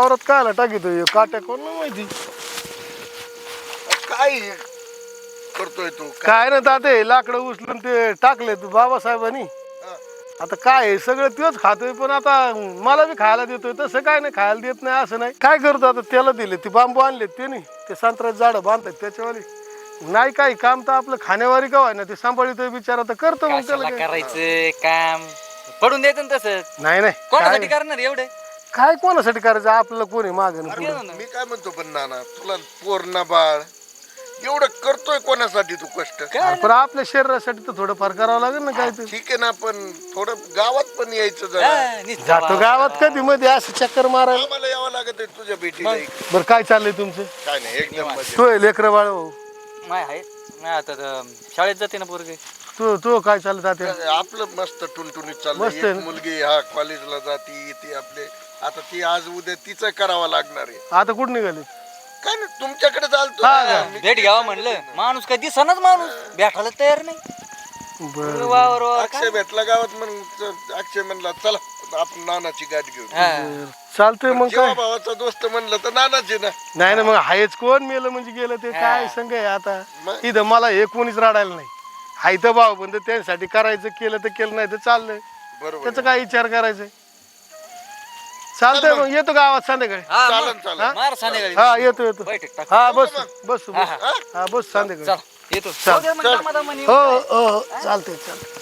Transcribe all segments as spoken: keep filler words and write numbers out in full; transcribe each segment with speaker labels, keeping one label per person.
Speaker 1: वावरात कायला टाकीतो काट्या कोण माहिती
Speaker 2: काय करतोय तू
Speaker 1: काय ना ताते लाकडं उचलून ते टाकले तू बाबासाहेबांनी आता काय आहे, सगळं तेच खातोय पण आता मला बी खायला देतोय तसं काय नाही खायला देत नाही असं नाही काय करतो आता त्याला दिले ते बांबू आणले ते नाही ते संत्र्याचं झाडं बांधतात त्याच्यावाली नाही काही काम तर आपलं खाण्यावारी का ना ते सांभाळतोय बिचारा तर करतो मग त्याला काय.
Speaker 3: करायचं काम पडून द्यायचं ना तसंच
Speaker 1: नाही नाही
Speaker 3: कोणासाठी
Speaker 1: काय-
Speaker 3: करणार एवढे
Speaker 1: काय कोणासाठी करायचं आपल्याला कोणी मागं
Speaker 3: अरे
Speaker 1: पुढे
Speaker 2: मी काय म्हणतो पण नाना तुला पोरणा बाळ एवढं करतोय कोणासाठी तू कष्ट
Speaker 1: पण आपल्या शरीरासाठी तर थोडंफार करावं लागेल ना काय ते
Speaker 2: ठीक आहे ना पण थोडं गावात पण यायचं जरा
Speaker 1: जातो गावात कधी मध्ये असं चक्कर मारायला
Speaker 2: आम्हाला यावं लागत आहे तुझ्या भेटीला इकडे.
Speaker 1: बरं काय चाललंय तुमचं
Speaker 2: काय नाही एकदम मजेत.
Speaker 1: तू लेकर बाळ हो
Speaker 3: माय आहे नाही आता तर शाळेत जाते ना पोरगे
Speaker 1: तू तू काय चाललं तात्या
Speaker 2: आपलं मस्त टुनटुनीत चाललंय
Speaker 1: मस्त आहे
Speaker 2: एक
Speaker 1: ना?
Speaker 2: मुलगी हा कॉलेजला जाती येते आपले आता ती आज उद्या तिचं करावं लागणार आहे
Speaker 1: आता कुठं निघाले
Speaker 2: काय नाही तुमच्याकडे चालतो
Speaker 1: हा
Speaker 2: ना.
Speaker 1: का?
Speaker 2: मी-
Speaker 3: भेट घ्यावा म्हणलं माणूस काय दिसनाच माणूस भेटायला तयार नाही
Speaker 1: बरं
Speaker 3: वावर वावर
Speaker 2: अक्षय भेटला गावात मग च- अक्षय म्हणला चला आपण नानाची गाठ घेऊ
Speaker 3: हा.
Speaker 1: चालतंय मग
Speaker 2: जेव्हा
Speaker 1: काय
Speaker 2: भावाचा दोस्त म्हणलं तर नानाची ना
Speaker 1: नाही ना मग हायच कोण मेलं म्हणजे गेलं ते काय संग आहे आता
Speaker 2: मग?
Speaker 1: इथं मला हे कोणीच रडायला नाही हाय तर भाऊ पण त्यांच्यासाठी करायचं केलं तर केलं नाही तर चाललंय
Speaker 2: बरोबर
Speaker 1: त्याचा काय विचार करायचा चालतंय मग येतो गावात संध्याकाळी
Speaker 3: हा,
Speaker 2: चालन
Speaker 3: मग.
Speaker 2: चालन
Speaker 3: मार संध्याकाळी
Speaker 1: हा येतो येतो
Speaker 3: बैठक टाक
Speaker 1: हा बस बस बस
Speaker 3: हा, हा.
Speaker 1: हा बस संध्याकाळी
Speaker 3: चल येतो
Speaker 1: चल,
Speaker 3: जाऊ दे मग दमादमाने.
Speaker 1: हो हो हो चालतंय चालतंय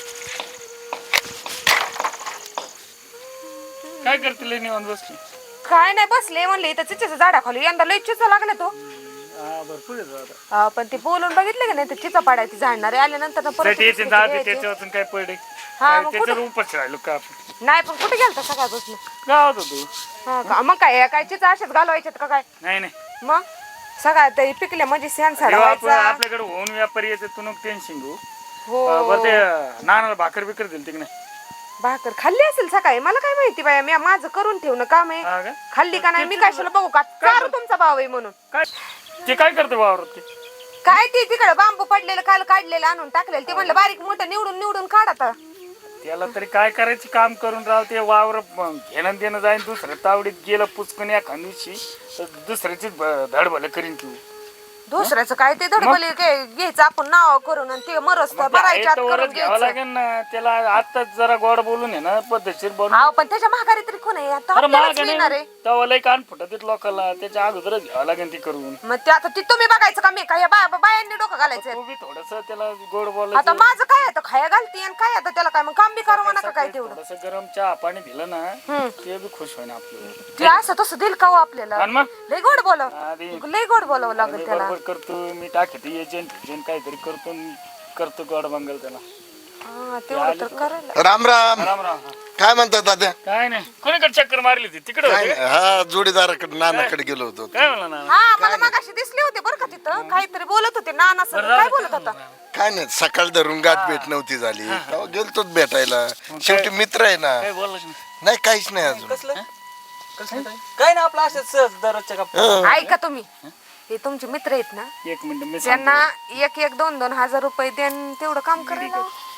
Speaker 4: काय करते लई निवांत बसली
Speaker 5: काय नाही बसले म्हणले इथं चिचेच्या झाडाखाली यंदा लई चिचा लागले तो
Speaker 4: हा भरपूर आहे आता
Speaker 5: हा, पण ते बोलून बघितलं की नाही ते चिचा पाडायची झाडणारे आल्यानंतर ना परत
Speaker 4: त्याची
Speaker 5: दुसरी
Speaker 4: जाते
Speaker 5: यायची.
Speaker 4: त्याच्यावरून काय पडे
Speaker 5: हा,
Speaker 4: काय
Speaker 5: मग
Speaker 4: त्याच्यावर उपास राहिलो का आपण
Speaker 5: नाही पण कुठे गेलता सकाळपासून
Speaker 4: गावात होतो
Speaker 5: हा का? मग काय काय चिचा अशाच घालवायच्यात का काय
Speaker 4: नाही नाही
Speaker 5: मग सगळ्या ते पिकल्या म्हणजे सण
Speaker 4: जेव्हा आपण
Speaker 5: साडवायचा
Speaker 4: आपल्याकडे होऊन व्यापारी येते तू नको टेन्शन घेऊ
Speaker 5: हो
Speaker 4: अं, बरं ते नानाला भाकर बिकर दिली तिकडे
Speaker 5: भाकर खाल्ली असेल सकाळी मला काय माहिती बाया मी माझं करून ठेवणं काम आहे
Speaker 4: हा का
Speaker 5: खाल्ली का नाही मी कशाला बघू का चारू तुमचा भाव आहे म्हणून
Speaker 4: काय ते काय करते वावरात ते
Speaker 5: काय ते तिकडे बांबू पडलेलं काल काढलेलं आणून टाकलेलं ते म्हणलं बारीक मोठं निवडून निवडून काढ आता
Speaker 4: त्याला तरी काय करायचं काम करून राव ते वावर म, घेणं देणं जाईन दुसरं तावडीत गेलं पुचकून एखाद दिवशी तर दुसऱ्याचीच ब- धडबल करीन तू
Speaker 5: दुसऱ्याचं काय ते धडबली घ्यायचं आपण नाव करून आणि ते मरस तर भरायच्या आत करून
Speaker 4: वरच घ्यावं
Speaker 5: घ्यायचं
Speaker 4: लागेल ना त्याला आताच जरा गोड बोलून आहे ना पद्धतशीर बोलून
Speaker 5: अहो पण त्याच्या महागारी तरी कोण आहे आता
Speaker 4: अरे
Speaker 5: आपल्यालाच
Speaker 4: महाग
Speaker 5: मिळणार आहे
Speaker 4: नाही तवा लय कान फुटत लोकांना त्याच्या अगोदरच घ्यावं लागेल ती करून
Speaker 5: मग ते आता ती तुम्ही बघायचं का मी काय या बा- बायांनी डोकं घालायचं
Speaker 4: तू बी थोडस त्याला गोड
Speaker 5: आता
Speaker 4: बोलायचं
Speaker 5: माझं काय आता खाया घालती आणि काय आता त्याला काय मग काम बी करू नका काय तेवढं
Speaker 4: थोडस गरम चहा पाणी दिलं ना
Speaker 5: हम्म.
Speaker 4: ते बी खुश होईन आपलं
Speaker 5: ते असं तसं दिल का हो आपल्याला
Speaker 4: आणि मग
Speaker 5: लय गोड बोलाव
Speaker 4: आधी
Speaker 5: लय गोड बोलावं लागेल
Speaker 4: मी
Speaker 5: त्याला
Speaker 4: बरोबर करतो मी टाकते एजंट एजंट काहीतरी करतो आणि करतो गोड बंगल त्याला
Speaker 5: हा तेवढं तर करायला
Speaker 2: राम राम
Speaker 4: राम राम
Speaker 2: काय म्हणतात दादा
Speaker 4: काय नाही कोणीकडे चक्कर मारली होती तिकडे
Speaker 2: काय
Speaker 4: होते का?
Speaker 2: हा जोडीदाराकडे नानाकडे गेलो होतो
Speaker 4: काय म्हणला ना
Speaker 5: हा मला मगाशी दिसले होते बरं का तिथं काहीतरी बोलत होते नाना सर काय बोलत होता
Speaker 2: काय नाही सकाळ धरून गाठ भेट नव्हती झाली तेव्हा गेलतोच भेटायला शेवटी मित्र आहे ना
Speaker 4: काय बोलला की नाही?
Speaker 2: नाही काहीच नाही अजून
Speaker 3: कसलं कसलं काय? काय ना आपलं असंच सहज दररोजच्या गप्पा
Speaker 5: ऐका तुम्ही हे तुमचे मित्र आहेत ना
Speaker 4: एक मिनिट मी
Speaker 5: त्यांना
Speaker 4: सांगतो.
Speaker 5: एक एक दोन दोन हजार रुपये देऊन तेवढं काम करायला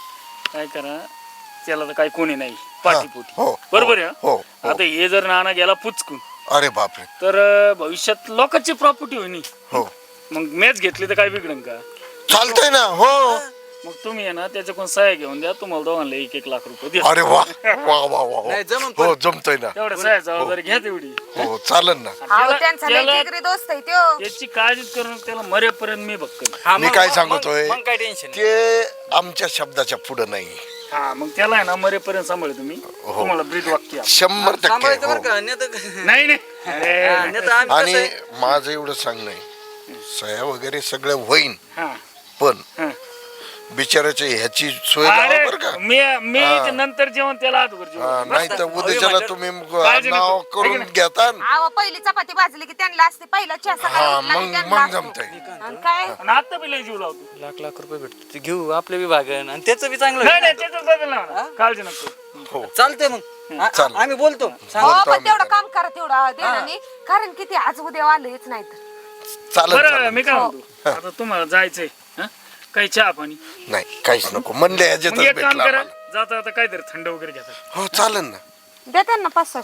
Speaker 4: काय करा त्याला तर काही कोणी नाही पाठीपोटी
Speaker 2: हो,
Speaker 4: बरोबर आहे
Speaker 2: हो,
Speaker 4: हा?
Speaker 2: हो.
Speaker 4: आता हे जर नाना गेला पुचकून
Speaker 2: अरे बापरे
Speaker 4: तर अं, भविष्यात लोकांची प्रॉपर्टी होईनी
Speaker 2: हो
Speaker 4: मग मॅच घेतली तर काय बिघडन का
Speaker 2: चालतंय ना हो
Speaker 4: मग तुम्ही आहे ना त्याच्याकडून सह्या घेऊन द्या तुम्हाला दोघांना एक एक लाख रुपये द्या
Speaker 2: अरे वा वा वा वा
Speaker 3: नाही, जमून
Speaker 2: हो जमतोय ना
Speaker 4: तेवढ्या सह्या जबाबदारी घ्या तेवढी
Speaker 2: हो चालन ना
Speaker 5: अहो
Speaker 4: त्याला-
Speaker 5: त्यांचा लय
Speaker 4: त्याला-
Speaker 5: जिगरी दोस्त आहे त्यो
Speaker 4: याची काळजीच करून त्याला मरेपर्यंत मी बघतो
Speaker 3: हा,
Speaker 2: मी
Speaker 3: मग-
Speaker 2: काय
Speaker 3: मग-
Speaker 2: सांगतोय
Speaker 3: मग काय टेन्शन
Speaker 2: ते आमच्या शब्दाच्या पुढे नाही
Speaker 4: हा मग त्याला आहे ना मरेपर्यंत सांभाळ तुम्ही तुम्हाला ब्रीद वाक्य आहे.
Speaker 2: शंभर टक्के
Speaker 3: सांभाळायचं बरं
Speaker 2: हो.
Speaker 3: का नाही तर-
Speaker 4: नाही नाही अरे,
Speaker 3: हा, नाही तर आम्ही
Speaker 2: आणि
Speaker 3: कसं आहे,
Speaker 2: माझं एवढं सांगणं आहे सह्या वगैरे सगळं होईन
Speaker 4: हा
Speaker 2: पण
Speaker 4: हा.
Speaker 2: बिचाराच्या ह्याची सोय लावा
Speaker 4: अरे
Speaker 2: बरं का
Speaker 4: मी मी नंतर जेवण त्याला आत वर
Speaker 2: हा, नाही तर उद्याच्याला तुम्ही मग
Speaker 4: काळजी नको.
Speaker 2: नाव करून
Speaker 4: है की
Speaker 2: घेता
Speaker 5: अहो पहिली चपाती भाजली की त्यांना असते पहिला चहा
Speaker 2: हा
Speaker 5: सकाळी उठला की
Speaker 2: मग
Speaker 5: त्यांना
Speaker 2: मग
Speaker 5: असतो.
Speaker 2: जमतंय
Speaker 5: आणि काय
Speaker 4: आणि आता बी लय जीव लावतो
Speaker 3: लाख लाख रुपये भेटतो ते घेऊ आपले विभागन आणि त्याचं बी चांगलं
Speaker 4: नाही
Speaker 3: होईल
Speaker 4: नाही त्याचं बदल नाही होणार. काळजी नको
Speaker 2: हो
Speaker 3: ना. चालतंय मग आ-
Speaker 2: चालेल.
Speaker 3: आम्ही बोलतो सांग.
Speaker 5: हो
Speaker 2: बोलतो
Speaker 5: पण
Speaker 2: आम्ही
Speaker 5: तेवढं
Speaker 2: त्याला.
Speaker 5: काम करा तेवढं देण्याने कारण किती आज उद्या आलंच नाही तर
Speaker 2: चालेल
Speaker 4: बरं
Speaker 2: चालेल
Speaker 4: मी काय म्हणतो आता तुम्हाला जायचंय हा? काही चहा पाणी
Speaker 2: नाही काहीच नको म्हणले
Speaker 4: मग
Speaker 2: ह्याच्यातच
Speaker 4: एक काम
Speaker 2: भेटलं
Speaker 4: करा
Speaker 2: आम्हाला.
Speaker 4: जाता आता काहीतरी थंड वगैरे घ्या
Speaker 2: हो चालेल ना
Speaker 5: द्या त्यांना पाच सहाशे रुपये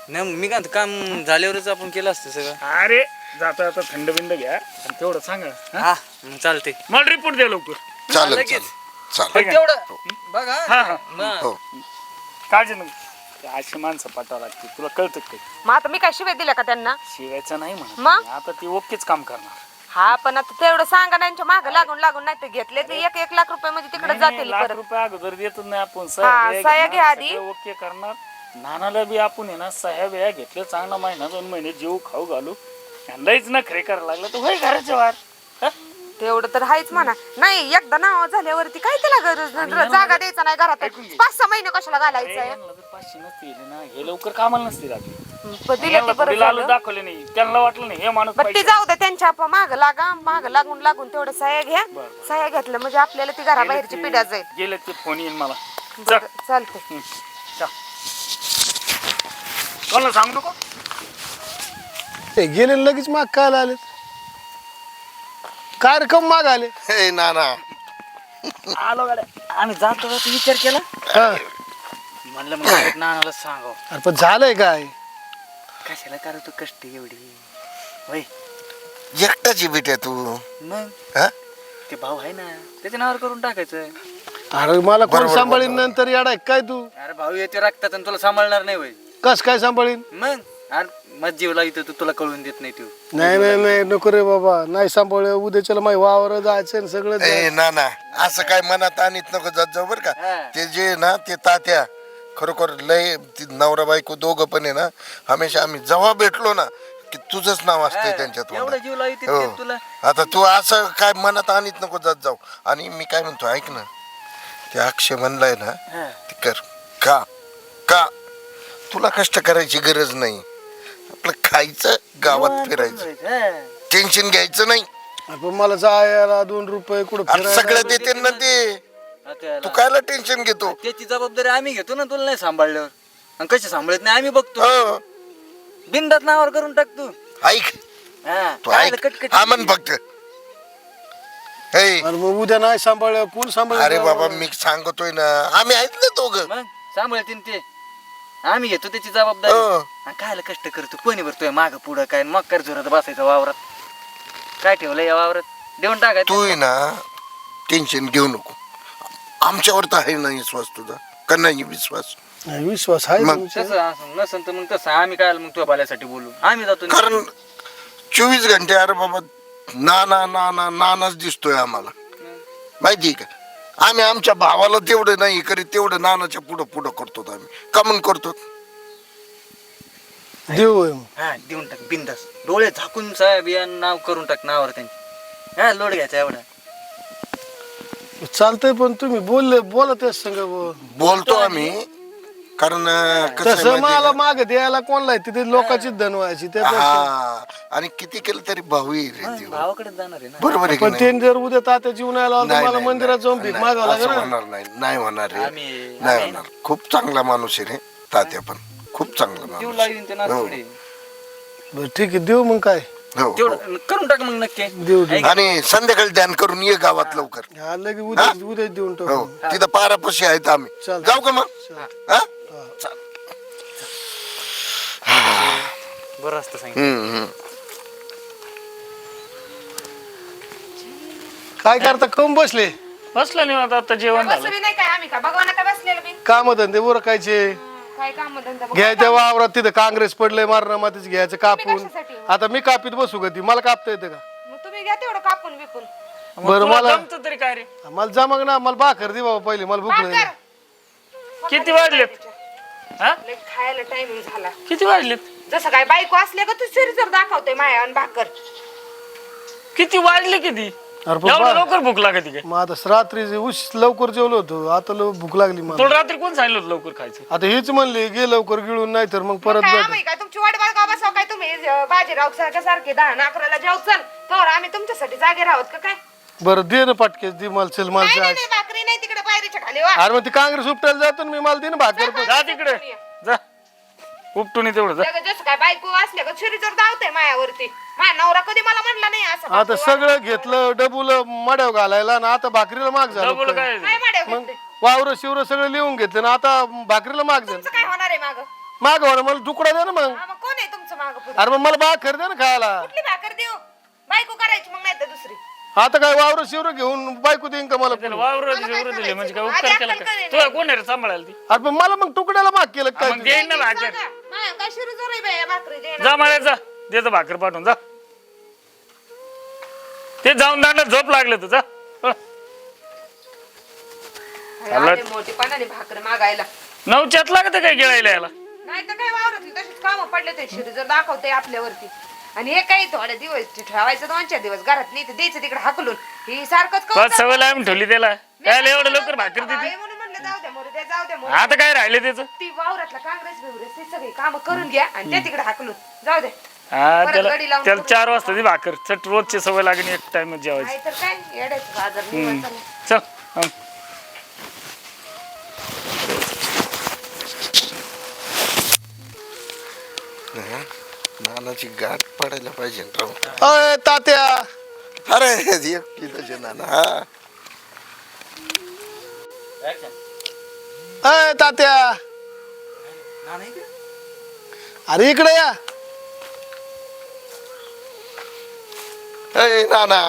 Speaker 3: नाही मी काय म्हणतो, काम झाल्यावरच आपण केलं असतं सगळं.
Speaker 4: अरे जाता जाता थंड बिंड घ्या आणि तेवढं सांगा हा?
Speaker 3: हा मग चालते.
Speaker 4: मला रिपोर्ट द्या लवकर.
Speaker 2: चालेल
Speaker 3: लगेच.
Speaker 2: चालेल चालेल
Speaker 3: पण तेवढं बघा.
Speaker 4: हा, हा.
Speaker 3: मग.
Speaker 2: हो
Speaker 4: काळजी नको, अशी माणसं पाठावं लागते, तुला कळतं का काही?
Speaker 5: मग आता मी काय शिवाय दिल्या का त्यांना?
Speaker 4: शिवायचं नाही
Speaker 5: मग?
Speaker 4: म्हणत, आता ती ओकेच काम करणार.
Speaker 5: हा पण आता तेवढं सांगा ना, यांच्या मागं लागून लागून नाही तर घेतले ते एक एक लाख रुपये म्हणजे तिकडे
Speaker 4: नाही, नाही,
Speaker 5: जातील
Speaker 4: लाख
Speaker 5: परत.
Speaker 4: रुपये अगोदर देतच नाही आपण.
Speaker 5: हा,
Speaker 4: सह्या
Speaker 5: सह्या
Speaker 4: घेणार,
Speaker 5: घ्या आधी.
Speaker 4: सगळं ओके करणार. नानाला बी आपण आहे ना सह्या बिया घेतल्या, चांगला महिना दोन महिने जीव खाऊ घालू. लईच ना खरे करायला लागलं तर होय घराच्या बाहेर. हा?
Speaker 5: तेवढं तर हायच म्हणा. नाही एकदा नाव झाल्यावरती काय त्याला गरज नाही, जागा द्यायचा नाही घरात. पाच सहा महिने कशाला
Speaker 4: अरे,
Speaker 5: घालायचंय?
Speaker 4: यांना जर पाचशे नसते दिले ना, हे लवकर कामाला नसते राहते.
Speaker 5: पण दिले
Speaker 4: यांना
Speaker 5: ते बरं
Speaker 4: थोडी लालच
Speaker 5: झालं.
Speaker 4: दाखवले नाही, त्यांना वाटलं नाही हे माणूस
Speaker 5: बरं ते
Speaker 4: पाहिजे.
Speaker 5: जाऊ दे, त्यांच्या माग लागा, माग लागून लागून तेवढं सह्या घ्या. सह्या घेतलं म्हणजे आपल्याला ती घराबाहेरची
Speaker 4: गेले
Speaker 5: पिढ्या
Speaker 4: ते-
Speaker 5: जाईल.
Speaker 4: गेले ते फोन येईन मला.
Speaker 5: बरं, चालतंय.
Speaker 4: हं, चल. कोणाला सांगू नको.
Speaker 1: ते गेले न लगेच माग काय आले? काय रक्कम माग आले?
Speaker 2: हे नाना
Speaker 3: आलो गाड्या. आम्ही जातो जातो विचार केला,
Speaker 1: हा.
Speaker 3: म्हणलं मग direct नानाला सांगाव.
Speaker 1: अरे पण झालंय काय?
Speaker 3: कशाला करतो कष्ट एवढी होय.
Speaker 2: एकटाची बेट्या तू
Speaker 3: मग
Speaker 2: हा
Speaker 3: ते भाऊ आहे ना, त्याच्या नावावर करून टाकायचं.
Speaker 1: अरे मला कोण
Speaker 2: बरोबर,
Speaker 1: सांभाळीन
Speaker 2: बरोबर.
Speaker 1: नंतर येडाय काय तू?
Speaker 3: अरे भाऊ येते रक्तात आणि तुला सांभाळणार नाही होय.
Speaker 1: कस काय सांभाळीन?
Speaker 3: मग अरे मग जीव लावित तू, तुला कळून देत नाही तू.
Speaker 1: नाही नाही नाही नको रे बाबा, नाही सांभाळ. उद्याच्याला माही वावर जायचं सगळं
Speaker 2: ए
Speaker 1: जायचं.
Speaker 2: नाना असं काय मनात आणीत नको जात जाऊ बर का.
Speaker 3: हा.
Speaker 2: ते जे ना ते तात्या खरोखर लय ती नवरा बायको दोघं पण आहे ना, हमेशा आम्ही जेव्हा भेटलो ना की तुझंच नाव असतंय त्यांच्यात
Speaker 3: एवढं जीव लावित
Speaker 2: हो.
Speaker 3: तुला.
Speaker 2: आता तू असं काय मनात आणीत नको जात जाऊ. आणि मी काय म्हणतो ऐक ना, ते अक्षय म्हणलाय ना
Speaker 3: हा.
Speaker 2: ते कर. का का तुला कष्ट करायची गरज नाही, आपलं खायचं गावात फिरायचं,
Speaker 3: हा.
Speaker 2: टेन्शन घ्यायचं नाही.
Speaker 1: पण मला जायला दोन रुपये कुठं
Speaker 2: अरे
Speaker 1: फिरायला
Speaker 2: सगळं देते ना ते,
Speaker 3: आता
Speaker 2: तू कायला टेन्शन घेतो.
Speaker 3: त्याची जबाबदारी आम्ही घेतो ना, तुला नाही सांभाळल्यावर. आणि कशी सांभाळत नाही आम्ही बघतो.
Speaker 2: हो.
Speaker 3: बिंदात नावावर करून टाक तू.
Speaker 2: ऐक
Speaker 3: हा.
Speaker 2: तू
Speaker 3: काय
Speaker 2: ऐक
Speaker 3: कटकट.
Speaker 2: हा म्हण फक्त. हे
Speaker 1: अरे मग उद्या नाही सांभाळ कोण सांभाळ?
Speaker 2: अरे बाबा मी सांगतोय ना, आम्ही आहेत ना दोघं.
Speaker 3: मग सांभाळतील ते, आम्ही घेतो त्याची जबाबदारी.
Speaker 2: हो.
Speaker 3: आणि कायला कष्ट करतो, कोणी भरतोय माग पुढं काय, मग कर जोरात बसायचं वावरात. काय ठेवलंय या वावरात, देऊन टाकायचं.
Speaker 2: तू आहे ना टेन्शन घेऊ नको. आमच्यावर तर आहे ना विश्वास तुझा का नाही विश्वास?
Speaker 1: नाही, विश्वास आहे
Speaker 2: मग
Speaker 1: तुमचा.
Speaker 3: तसं असं नसेल तर मग तसं आम्ही काय मग तुझ्या भल्यासाठी बोलू. आम्ही जातो नि-
Speaker 2: कारण चोवीस घंटे अरे बाबा नाना नाना नानाच दिसतोय आम्हाला, माहिती का. आम्ही आमच्या भावाला तेवढं नाही करीत, तेवढं नानाच्या पुढं पुढं करतो आम्ही. का म्हणून करतो?
Speaker 1: देऊ होय मग.
Speaker 3: हा देऊन टाक बिंदास, डोळे झाकून साहेब या नाव करून टाक नावावर त्यांनी. हा लोड घ्यायचा एवढा.
Speaker 1: चालतंय पण तुम्ही बोलले बोला तेच संग बुवा.
Speaker 2: बोलतो आम्ही, कारण कसं आहे
Speaker 1: तसं
Speaker 2: माहिती आहे
Speaker 1: मला
Speaker 2: का?
Speaker 1: माग द्यायला कोणला आहे तिथे लोकांची धन व्हायची त्यापेक्षा.
Speaker 2: हा आणि किती केलं तरी भाऊ येईल रे ते.
Speaker 3: भावाकडे जाणार आहे ना.
Speaker 2: बरोबर आहे की
Speaker 1: पण
Speaker 2: नाही?
Speaker 1: ते जर उद्या तात्या जीवन आला तर
Speaker 2: नाही,
Speaker 1: मला
Speaker 2: नाही,
Speaker 1: मंदिरात जाऊन
Speaker 2: नाही,
Speaker 1: भीक
Speaker 2: नाही,
Speaker 1: मागावं
Speaker 2: असं
Speaker 1: लागेल ना.
Speaker 2: होणार नाही, नाही होणार रे,
Speaker 3: आम्ही-
Speaker 2: नाही
Speaker 3: आम्ही
Speaker 2: होणार. खूप चांगला माणूस आहे रे तात्या, पण खूप चांगला
Speaker 3: देऊ
Speaker 2: माणूस
Speaker 3: लागेल ते
Speaker 2: हो.
Speaker 3: नाचपुडे.
Speaker 1: बरं ठीक आहे देऊ मग काय
Speaker 2: हो, हो.
Speaker 3: तेवढं करून टाक मग नक्की.
Speaker 1: देऊ देऊ.
Speaker 2: आणि संध्याकाळी ध्यान करून ये गावात लवकर.
Speaker 1: हा लगेच उद्या उद्या देऊन
Speaker 2: हो
Speaker 1: टाकू.
Speaker 2: तिथं पारापाशी आहेत आम्ही.
Speaker 1: चालतंय.
Speaker 2: जाऊ का मग? हा?
Speaker 3: बरं असतं सांगितलं.
Speaker 2: हम्म, हम्म.
Speaker 1: काय करता कम बसले?
Speaker 4: बसलं नाही आता, आता जेवण झालं.
Speaker 5: बसवी नाही काय आम्ही का भगवान का बसलेलं बी?
Speaker 1: काम धंदे उरकायचे,
Speaker 5: काय काम धंदा बघ.
Speaker 1: घ्यायच्या वावरात तिथं काँग्रेस पडलंय मारणं मातीच घ्यायचं कापून.
Speaker 5: कशासाठी?
Speaker 1: आता मी कापीत बसू का ती? मला कापता येतं का?
Speaker 5: मग तुम्ही घ्या तेवढं कापून बिपून.
Speaker 4: मग
Speaker 1: बरं
Speaker 4: तुला
Speaker 1: मला
Speaker 4: जमतं तरी काय रे?
Speaker 1: मला जमग ना, मला भाकर दे बाबा पहिले, मला भूक नाही.
Speaker 5: भाकर.
Speaker 4: किती वाजलेत? हा?
Speaker 5: लय खायला टायमिंग झाला.
Speaker 4: किती वाजलेत?
Speaker 5: जसं काय बायको असले का तू शरीर दाखवतोय माया आणि भाकर.
Speaker 4: किती वाजले किती?
Speaker 1: अरे पण
Speaker 4: एवढं
Speaker 1: बा-
Speaker 4: लवकर भूक लागते काय?
Speaker 1: मग आता रात्री उश लवकर जेवलो होतो, आता लव- भूक लागली मला.
Speaker 4: तुला रात्री कोण सांगितलं होतं लवकर खायचं?
Speaker 1: आता हेच म्हणले गे लवकर गिळून, नाही तर मग परत
Speaker 5: काय
Speaker 1: भेट.
Speaker 5: आम्ही काय तुमची वाट बघा बसाव काय तुम्ही अं, बाजीराव सारख्या सारखे दहा ना अकराला जेव चल तर आम्ही तुमच्यासाठी जागे राहत का काय?
Speaker 1: बरं दे ना पाटकेस दे मला, चल मला
Speaker 5: नाही
Speaker 1: जायचं.
Speaker 5: नाही नाही, भाकरी नाही तिकडे पायरीच्या खाली वा.
Speaker 1: अरे मग ती काँग्रेस उपटायला जातो ना मी, मला दे ना भाकर पण.
Speaker 4: जा तिकडे जा, उपटून ये तेवढं जा.
Speaker 5: जग- जसं काय बायको असले का शरीर जर धावतंय मायावरती. माझा नवरा कधी मला म्हणला नाही असं
Speaker 1: आता
Speaker 5: भाकरी
Speaker 1: सगळं घेतलं डबुल मड्याव घालायला ना, आता भाकरीला माग झालं
Speaker 4: डबल
Speaker 1: काय.
Speaker 4: काय?
Speaker 5: काय माड्या घेतले?
Speaker 1: वावर शिवर सगळं लिहून घेतलं ना, आता भाकरीला माग झालं.
Speaker 5: तुमचं काय होणार आहे माग?
Speaker 1: माग म्हणा मला तुकडा दे ना मग
Speaker 5: हा, मग कोण आहे तुमचं माग पुढे
Speaker 1: अरे मग मला भाकर दे ना खायला
Speaker 5: कुठली भाकर देऊ बायको करायची मग नाही तर दुसरी
Speaker 1: आता काय वावर शिवर घेऊन बायको देईन का मला
Speaker 4: त्याला
Speaker 1: पुढे?
Speaker 4: वावर
Speaker 5: मला काय
Speaker 4: दिले म्हणजे काय
Speaker 5: करायचं?
Speaker 4: उपकार
Speaker 5: आधी
Speaker 4: केला
Speaker 5: अक्कल
Speaker 4: का
Speaker 5: काय
Speaker 4: तुला कोण आहे रे सांभाळायला ती
Speaker 1: अरे पण मला मग तुकड्याला भाग केलं काय
Speaker 4: मग देईन ना भाकर
Speaker 5: सांगा. मा- काय शिरू जोर आहे बाई या भाकरी देणार.
Speaker 4: जा मला जा देतो भाकर पाठवून जा ते जाऊन दांडा झोप लागलं तुझा
Speaker 5: आले मोठेपणाने भाकर मागायला
Speaker 4: नऊच्यात लागत काय गिळायला याला
Speaker 5: नाही तर काय वावरातली तशीच कामं पडले ते शिरू जर दाखवते आपल्यावरती आणि हे काही थोडे दिवस ठेवायचं दोन चार दिवस घरात नाही तर द्यायचं तिकडे हाकलून ही सारखंच करून
Speaker 4: पाच सवय लावून ठेवली त्याला काय एवढं लवकर भाकर देते
Speaker 5: आहे म्हणून म्हणलं जाऊ द्या मोरू द्या जाऊ द्या मोरू
Speaker 4: आता काय राहिले त्याचं
Speaker 5: ती वावरातला काँग्रेस बिवरेस ते सगळी कामं करून घ्या आणि त्या तिकडे हाकलून जाऊ द्या
Speaker 4: हा
Speaker 5: परत
Speaker 4: त्याला
Speaker 5: गडी लावून
Speaker 4: त्याला
Speaker 5: करून
Speaker 4: चार वाजता ती भाकर चट रोजची सवय लागेल एक टाइम जेवायची
Speaker 5: नाही तर काय येड्याचं बाजार निवांत चाललंय.
Speaker 4: चल हं.
Speaker 2: नानाची गाठ पडायला पाहिजे ना राव.
Speaker 1: अय तात्या
Speaker 2: अरे एक किलोचे नाना हा
Speaker 1: अय तात्या अरे इकडे या
Speaker 2: अय नाना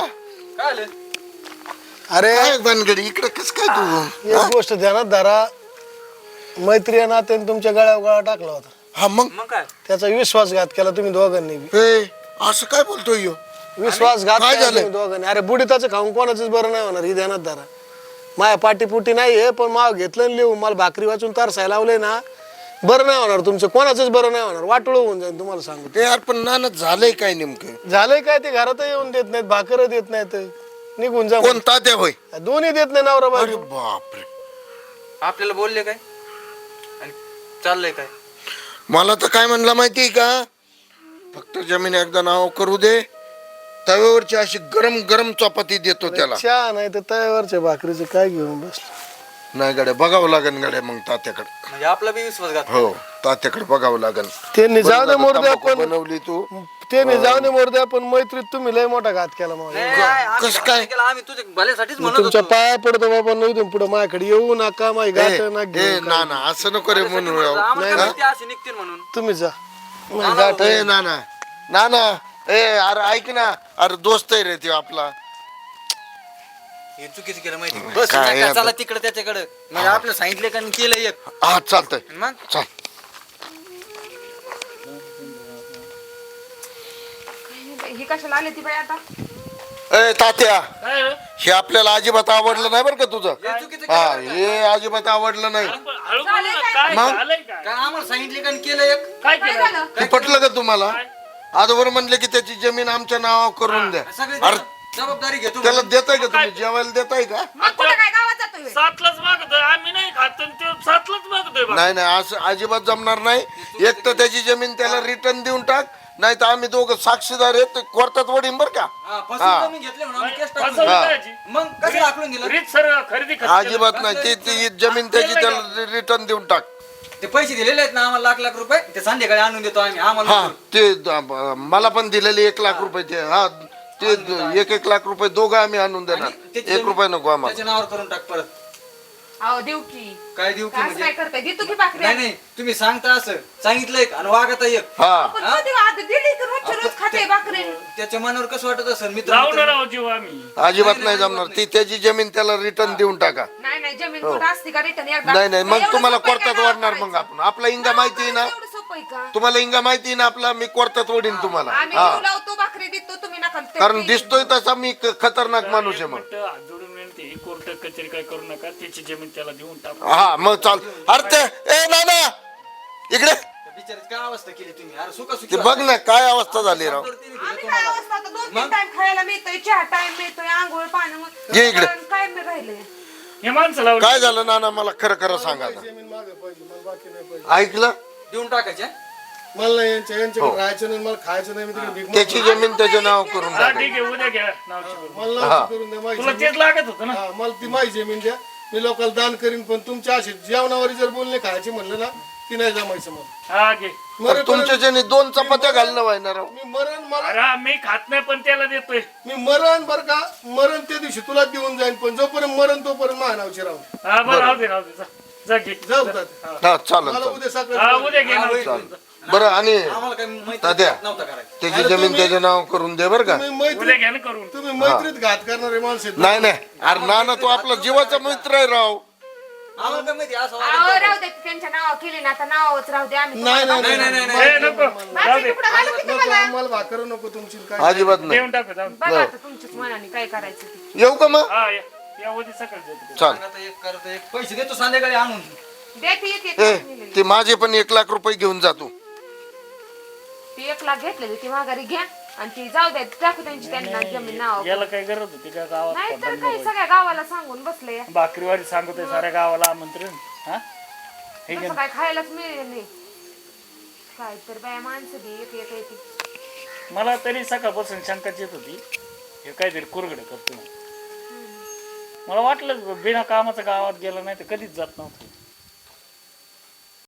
Speaker 1: अरे
Speaker 2: काय बनगडी इकडे कस काय तू
Speaker 1: एक गोष्ट ध्यानात धरा मैत्री नात्याने तुमच्या गळ्यावर गळा टाकला होता
Speaker 2: हा मग
Speaker 1: त्याचा विश्वासघात केला तुम्ही दोघांनी बी.
Speaker 2: ए असं काय बोलतोय ह्यो?
Speaker 1: विश्वासघात
Speaker 2: काय
Speaker 1: केला
Speaker 2: झालं?
Speaker 1: तुम्ही दोघांनी अरे बुडीताचं खाऊन कोणाचंच बरं नाही होणार ही ध्यानात धरा माया पाटीपुटी नाही आहे पण माव घेतलं आणि लिहून मला भाकरी वाचून तरसाय लावले ना बरं नाही होणार तुमचं कोणाचंच बरं नाही होणार वाटोळं होऊन जाईल तुम्हाला सांगतो
Speaker 2: ते यार पण नाना झालंय काय नेमकं
Speaker 1: झालंय काय ते घरात येऊन देत नाहीत भाकर देत नाहीत निघून जा
Speaker 2: कोण तात्या होय
Speaker 1: दोन्ही देत नाही नवरा
Speaker 2: अरे
Speaker 1: बायको
Speaker 2: बापरे
Speaker 3: आपल्याला बोलले काय आणि चाललंय काय
Speaker 2: मला तर काय म्हणलं माहितीये का फक्त जमीन एकदा नाव करू दे तव्यावरची अशी गरम गरम चपाती देतो त्याला
Speaker 1: चहा नाही तर तव्यावरच्या भाकरीचं काय घेऊन बसलं
Speaker 2: नाही गड्या बघावं लागेल गड्या मग तात्याकडे
Speaker 3: म्हणजे आपला बी विश्वासघात
Speaker 2: हो तात्याकडे बघावं लागेल
Speaker 1: त्यांनी जाऊ दे मोरदे
Speaker 2: तंबाखू
Speaker 1: आपण
Speaker 2: बनवली तू
Speaker 1: त्यांनी जाऊ दे मोरदे आपण मैत्रीत तुम्ही लय मोठा घात केला मला
Speaker 2: कस काय
Speaker 3: आम्ही तुझ्या भल्यासाठीच
Speaker 1: मी तुमच्या पाया पडतो बाबा नाही तुम्ही पुढे माझ्याकडे येऊ नका माझी गाठ ना
Speaker 2: ए
Speaker 1: घेऊ
Speaker 2: ना ना असं नको रे म्हणून राव. हा?
Speaker 3: असे निघतील म्हणून
Speaker 1: तुम्ही जा माझी गाठ
Speaker 2: ए ना ना ना ना ए अरे ऐक ना अरे दोस्त आहे रे ते आपला
Speaker 3: हे चुकीचं केलं माहिती बस
Speaker 2: काय
Speaker 3: नका,
Speaker 2: आहे
Speaker 3: चला
Speaker 2: बे?
Speaker 3: तिकडे त्याच्याकडे म्हणजे आपलं सांगितलं का आणि केलं एक
Speaker 2: हा चालतंय
Speaker 3: मग
Speaker 2: चाल
Speaker 5: ही कशाला आली ती बाई आता
Speaker 2: ए तात्या
Speaker 4: काय रे?
Speaker 2: हे आपल्याला अजिबात आवडलं नाही बरं का तुझं
Speaker 3: हे चुकीचं
Speaker 2: हा हे अजिबात आवडलं नाही
Speaker 4: हळू बोल ना, काय
Speaker 2: मग?
Speaker 4: झालंय काय
Speaker 3: काय आम्हाला सांगितले का आणि केलं एक
Speaker 4: काय
Speaker 5: काय
Speaker 4: केलं
Speaker 5: झालं
Speaker 2: ते पटलं का तुम्हाला आजवर म्हणले की त्याची जमीन आमच्या नावावर करून द्या
Speaker 3: सगळे
Speaker 2: अरे
Speaker 3: जबाबदारी घेतो
Speaker 2: त्याला देताय का तुम्ही जेवायला देताय का
Speaker 5: मग कुठं काय गावात जातोय
Speaker 4: सातलाच मागतोय आम्ही नाही खात आणि तो सातलाच मागतोय बा.
Speaker 2: नाही नाही असं अजिबात जमणार नाही एक तर त्याची जमीन त्याला रिटर्न देऊन टाक नाही तर आम्ही दोघं साक्षीदार आहेत कोर्टात वडीन बर का
Speaker 3: हा, फसवून कमी घेतले म्हणून आम्ही केस टाकून
Speaker 4: फसवलं
Speaker 2: हा.
Speaker 4: त्याची.
Speaker 3: मग कसं दाखवून दिलं
Speaker 4: रीत सर खरेदी खत
Speaker 2: अजिबात नाही ती ती जमीन त्याची त्याला रिटर्न देऊन टाक
Speaker 3: ते पैसे दिलेले आहेत ना आम्हाला लाख लाख रुपये ते संध्याकाळी आणून देतो आम्ही आम्हाला
Speaker 2: हा ते द- मला पण दिलेले एक लाख रुपये ते हा ते द- एक एक लाख रुपये दोघं आम्ही आणून देणार
Speaker 3: आणि त्याची
Speaker 2: एक
Speaker 3: जमीन
Speaker 2: रुपये नको आम्हाला
Speaker 3: त्याच्या नावावर करून टाक परत
Speaker 5: अहो देऊ की
Speaker 3: काय देऊ की
Speaker 5: काय
Speaker 3: म्हणजे
Speaker 5: काय करताय देतो की भाकरी
Speaker 3: नाही नाही तुम्ही सांगता असं सांगितलं एक आणि वागत एक
Speaker 2: हा
Speaker 5: पण कधी आधी दिली की रोजच्या रोज खाते भाकरी
Speaker 3: त्याच्या मनावर कसं वाटत असेल मित्र
Speaker 4: लावणार आहोत जीव आम्ही
Speaker 2: अजिबात नाही जमणार ती त्याची जमीन त्याला रिटर्न देऊन टाका
Speaker 5: नाही नाही जमीन कुठं असते का रिटर्न एकदा
Speaker 2: नाही नाही मग
Speaker 5: एवढं
Speaker 2: तुम्हाला
Speaker 5: सोपं आहे का
Speaker 2: कोर्टात
Speaker 5: गावात
Speaker 2: वाढणार मग
Speaker 5: करायचं?
Speaker 2: आपण आपला इंगा माहिती आहे ना
Speaker 5: एवढं सोपं आहे का
Speaker 2: तुम्हाला इंगा माहिती आहे ना आपला मी कोर्टात वडीन तुम्हाला
Speaker 5: आम्ही
Speaker 2: हा
Speaker 5: जीव लावतो भाकरी देतो तुम्ही नका ते-
Speaker 2: कारण
Speaker 5: ते-
Speaker 2: दिसतोय तसा मी क- खतरनाक माणूस आहे मग
Speaker 4: म्हटलं, हात जोडून विनंती आहे, कोर्ट कचेरी काय करू नका त्याची जमीन त्याला देऊन टाकू
Speaker 2: हा मग चाल अरे ते ए ना ना इकडे
Speaker 3: बिचारीच काय अवस्था केली तुम्ही अरे सुका
Speaker 2: ते बघ ना काय अवस्था झाली राव
Speaker 5: आम्ही काय अवस्था आता दोन तीन टाइम खायला मिळतोय चहा टाइम मिळतोय आंघोळ पाणी
Speaker 2: ये इकडे.
Speaker 5: काय मी राहिले
Speaker 4: हे माणसं लावली
Speaker 2: काय झालं नाना मला खरं खरं सांगा आता.
Speaker 1: जमीन मागे पाहिजे मला बाकी नाही पाहिजे
Speaker 2: ऐकलं
Speaker 3: देऊन टाकायचे
Speaker 1: मला नाही यांच्या यांच्याकडे राहायचं नाही मला खायचं नाही मी तिकडे भीक मागतो.
Speaker 2: त्याची जमीन त्याच्या नाव करून
Speaker 4: हा
Speaker 2: टाका
Speaker 4: ठीक आहे उद्या घ्या नावची करून.
Speaker 1: मला नावची करून द्या माझी
Speaker 4: तुला
Speaker 1: जमीन.
Speaker 4: तेच लागत होतं ना
Speaker 1: हा, मला ती माझी जमीन द्या मी लोकांना दान करीन पण तुमच्या अशी जेवणावर जर बोलणे खायचे म्हणलं ना ती नाही जमायचं मला
Speaker 4: हा घे
Speaker 1: मरण
Speaker 2: तुमच्या ज्याने दोन चपात्या घालणं व्हायना राव
Speaker 1: मी मरण मला
Speaker 4: अरे हा, मी खात नाही पण त्याला देतोय
Speaker 1: मी मरण बर का मरण त्या दिवशी तुला देऊन जाईन पण जोपर्यंत मरण तोपर्यंत माझ्या नावचे राहू
Speaker 4: हा बरं राहू दे राहू दे जा. जा घे.
Speaker 1: जाऊ तात्या.
Speaker 2: हा चालेल
Speaker 1: मला
Speaker 2: चालेल
Speaker 1: उद्या
Speaker 4: हा,
Speaker 1: सकाळी
Speaker 4: उद्या घे ना.
Speaker 2: चालेल बरं आणि
Speaker 6: आम्हाला काही माहिती
Speaker 2: तात्या
Speaker 6: नव्हतं करायचं.
Speaker 2: त्याची जमीन त्याच्या नाव करून दे बरं का
Speaker 1: तुम्ही
Speaker 4: उद्या
Speaker 1: मैत्रीत
Speaker 4: घ्या ना करून.
Speaker 1: तुम्ही मैत्रीत घात करणारे माणसं आहेत.
Speaker 2: नाही नाही अरे नाना तो आपला जीवाचा मित्र आहे राव
Speaker 6: आम्हाला काय माहिती असं
Speaker 5: अहो,
Speaker 6: वागायचं.
Speaker 5: राहू दे त्यांच्या नावावर केली ना आता नावावरच राहू दे आम्ही
Speaker 1: नाही
Speaker 5: तुम्हाला
Speaker 1: नाही
Speaker 6: नाही,
Speaker 1: नाही
Speaker 6: नाही,
Speaker 4: ए, नको जाऊ
Speaker 5: माझे
Speaker 4: दे.
Speaker 5: तुकडं घालू की
Speaker 1: नको
Speaker 5: तुम्हाला?
Speaker 1: आम्हाला भाकर नको तुमची काय
Speaker 2: अजिबात नाही
Speaker 4: देऊन टाकू जाऊन.
Speaker 5: बघा आता तुमच्याच मनाने काय करायचं ते.
Speaker 2: येऊ का मग
Speaker 4: हा या या उद्या सकाळी जातो.
Speaker 2: चाल
Speaker 6: सांगा तर एक करतो एक पैसे देतो संध्याकाळी आणून.
Speaker 5: देते येते
Speaker 2: ए
Speaker 5: नेलेली.
Speaker 2: ते माझे पण एक लाख रुपये घेऊन जातो
Speaker 5: ती एक लाख घेतलेली ती माघारी घ्या आणि ती जाऊ द्या टाकू त्यांची त्यांना जमीन नाव
Speaker 4: याला काय गरज होती का गावात
Speaker 5: नाही तर
Speaker 4: पडताना
Speaker 5: काही
Speaker 4: बघायचं?
Speaker 5: सगळ्या गावाला सांगून बसले
Speaker 4: भाकरीवारी सांगतोय साऱ्या गावाला आमंत्रण. हा हे घे
Speaker 5: तसं
Speaker 4: ना.
Speaker 5: काय खायलाच मिळेल नाही काय तर बाया माणसं बी एक एक येते
Speaker 4: मला तरी सकाळपासून शंकाच येत होती हे काहीतरी कुरगड करतो. मला वाटलं बिना कामाचं गावात गेलं नाही तर कधीच जात नव्हतं.